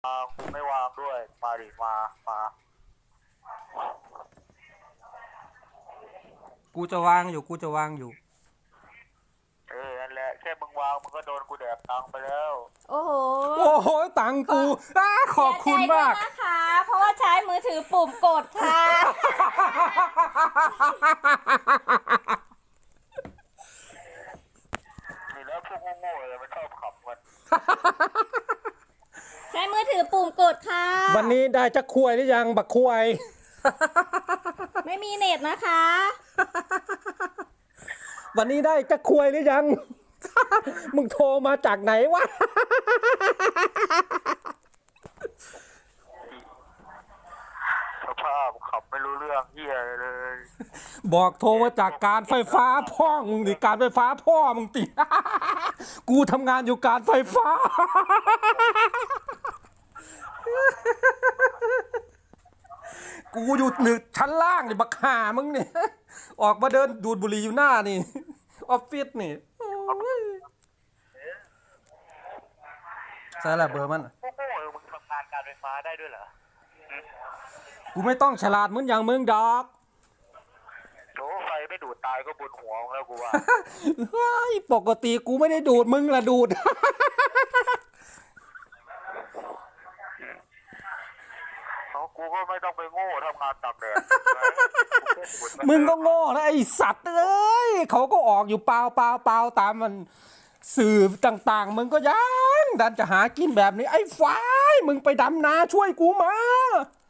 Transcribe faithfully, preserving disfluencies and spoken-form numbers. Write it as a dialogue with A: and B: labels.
A: กูไม่วางด้วยมาดิมามา
B: กูจะวางอยู่กูจะวางอยู่
A: เออนั่นแหละแค่มึงวางมึงก็โดนกูแดกตังไปแล้ว
C: โอ้โห
B: โอ้โหตังกูอ้าขอบคุณมาก
C: เสียใจด้วยนะคะเพราะว่าใช้มือถือปุ่มกดค่ะ
A: นี่แล้วพวกโง่ๆเลยมันชอบขับมัน
C: ใช้มือถือปุ่มกดค่ะ
B: วันนี้ได้จักคุยหรือยังบักคุย
C: ไม่มีเน็ตนะคะ
B: วันนี้ได้จักคุยหรือยัง มึงโทรมาจากไหนวะ
A: สภาพขับไม่รู้เรื่องเฮียเลย
B: บอกโทรมาจากการไฟฟ้าพ่อมึงดิการไฟฟ้าพ่อมึงติ กูทำงานอยู่การไฟฟ้า กูอยู่หนึ่งชั้นล่างนี่บักห่ามึงนี่ ออกมาเดินดูดบุหรี่อยู่หน้านี่ ออฟฟิศนี่ใช่แหละเบอร์มัน
A: พวกโง่ๆมึงทำงานการไฟฟ้าได้ด้วยเหรอ
B: กูไม่ต้องฉลาดเหมือนอย่างมึงดอก
A: โอ้ไฟไม่ดูดตายก็บนหัวมึงแล้วกูว่า
B: เฮ้ยปกติกูไม่ได้ดูดมึงละดูด
A: เขากูก็ไม่ต้องไปโง่ทำงานตากแดด
B: มึงก็โง่นะไอสัตว์เอ้ยเขาก็ออกอยู่เปล่าเปล่าเปล่าตามมันสื่อต่างๆมึงก็ยังดันจะหากินแบบนี้ไอ้ฝ้ายมึงไปดำนาช่วยกูมา